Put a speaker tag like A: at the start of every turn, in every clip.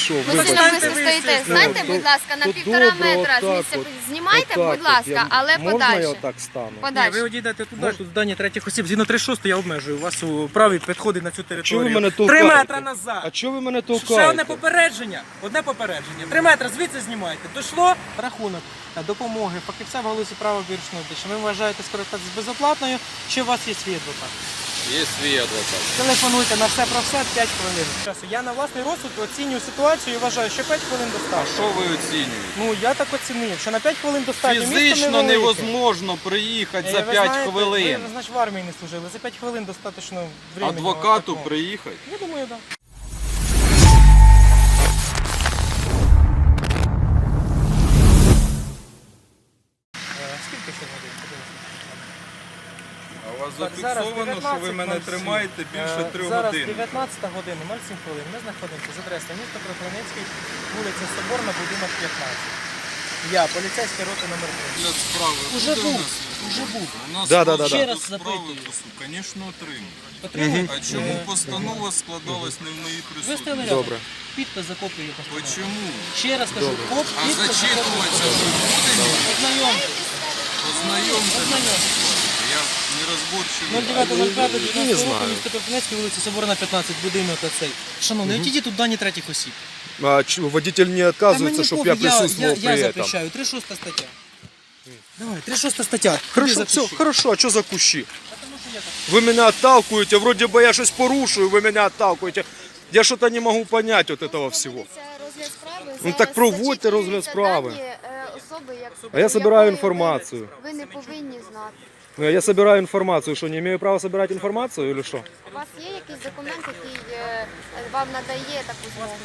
A: що?
B: Ви
A: Вибачте.
B: сильно близько стоїте. Станьте,
A: то-
B: будь ласка, на
A: то
B: 1,5
A: добре,
B: метра з
A: отак
B: місця.
A: от.
B: Знімайте,
A: Отак
B: будь
A: от.
B: ласка, але
A: Можна я
B: подальше.
A: отак стану?
C: Ні, ви
B: Подальше.
C: одійдете туди, тут здання третіх осіб. Згідно 36 я обмежую. У вас у праві підходить на цю
A: Чого ви
C: територію.
A: мене
C: 3
A: толкаєте?
C: метри назад.
A: А чого ви мене
C: Ще одне
A: толкаєте?
C: попередження. Одне попередження. 3 метри звідси знімайте. Дійшло рахунок допомоги фахівця в галузі права вирішеної. Чи ви вважаєте скористатися безоплатною, чи у вас є свій адвокат?
D: Є свій адвокат.
C: Телефонуйте на все про все 5 хвилин. Я на власний розсуд оцінюю ситуацію і вважаю, що 5 хвилин
D: А
C: достатньо.
D: що ви оцінюєте?
C: Ну я так оцінив, що на 5 хвилин достатньо. Місто
D: Фізично
C: невелике.
D: невозможно приїхати за
C: Ви
D: 5
C: знаєте,
D: хвилин.
C: Ви, значить, в армії не служили. За 5 хвилин достатньо времени.
D: Адвокату
C: такого.
D: приїхати.
C: Я думаю, так. Да. Скільки ще годин?
D: А у вас
C: Так, зараз
D: зафіксовано, що ви мене
C: 19:07.
D: тримаєте більше 3
C: Зараз
D: годин.
C: 19 година, 07 хвилин. Ми знаходимося з адреси міста Кропивницький, вулиця Соборна, будинок 15. Я, поліцейська рота номер 3.
D: Розгляд справи
C: Уже
D: буде
C: був,
D: у нас?
C: уже був.
D: У нас
A: Да.
D: розгляд
C: Ще раз
D: справи,
C: запитую.
D: звісно, отримую.
C: Отримуєте?
D: А чому постанова складалась не в моїй
C: Ви стояли
D: присутності?
C: рядом.
A: Добре.
C: Підпис за копією постанови.
D: Чому?
C: Ще раз кажу, коп,
D: А
C: підпис за
D: зачитуватися
C: копією.
D: ви будете?
C: Ознайомтесь.
D: Ознайомте мене.
C: Ознайомтесь.
D: Я нерозборчивий.
C: 09.05.19
A: Не
C: року,
A: знаю.
C: місто Кропивницький, вулиця Соборна, 15, будинок оцей. Шановний, отійдіть тут дані третіх осіб.
A: А водитель не отказывается, чтобы я присутствовал
C: я
A: при этом.
C: запрещаю. 36 стаття. Давай, 36 стаття.
A: Хорошо,
C: Тобі
A: все,
C: запишу.
A: хорошо, а что за кущи?
C: Потому що я так.
A: Вы меня отталкиваете, вроде бы я что-то порушую, вы меня отталкиваете. Я что-то не могу понять от этого всего.
B: Розгляд справи.
A: Ну,
B: Зараз
A: так проводьте
B: зачитуються
A: розгляд справи.
B: дані, особи,
A: А я собираю
B: якої
A: информацию.
B: Ви не повинні знати.
A: Я собираю информацию, что не имею права собирать информацию или что?
B: У вас є якийсь документ, який вам надає таку змогу?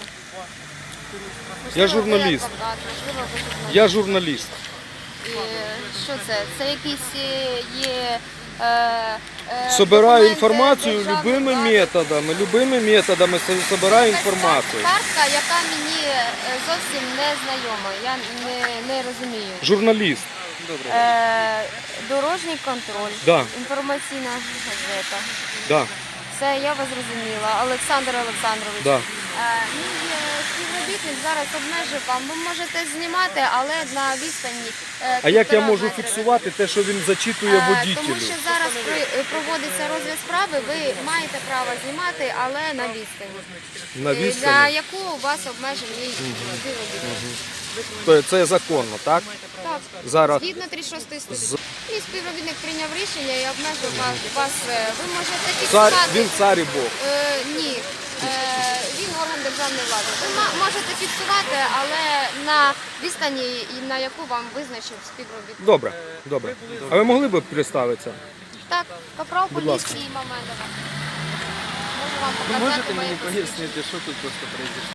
A: Я
B: Можливо, ви
A: журналіст.
B: адвокат, можливо, ви журналіст.
A: Я журналист.
B: І, що це? Це якісь є...
A: Собираю
B: документи
A: інформацію
B: державної
A: любими
B: влади?
A: методами собираю
B: Якась
A: інформацію.
B: картка, яка мені зовсім не знайома. Я не розумію.
A: Журналіст.
B: Дорожній контроль,
A: Да.
B: інформаційна газета.
A: Да,
B: Це я вас зрозуміла. Олександр Олександрович.
A: да.
B: Мій співробітник зараз обмежив вам. Ви можете знімати, але на відстані.
A: А як я
B: 1,5
A: можу
B: метра.
A: фіксувати те, що він зачитує
B: Тому
A: водітелю?
B: що зараз проводиться розгляд справи, ви маєте право знімати, але на відстані.
A: На
B: За
A: відстані?
B: яку у вас обмежений співробітник.
A: Це законно, так?
B: Так,
A: Зараз.
B: згідно 36 статті. Мій співробітник прийняв рішення і обмежив вас. Ви можете фіксувати.
A: Він цар і Бог.
B: Ні. Він орган державної влади. Ви можете фіксувати, але на відстані, на яку вам визначив співробітник.
A: Добре, добре. А ви могли б представитися?
B: Так, капрал
A: Будь ласка.
B: поліції Мамедова. Можу вам показати.
E: Можете
B: моє
E: мені
B: посвідчення.
E: пояснити, що тут просто произошло?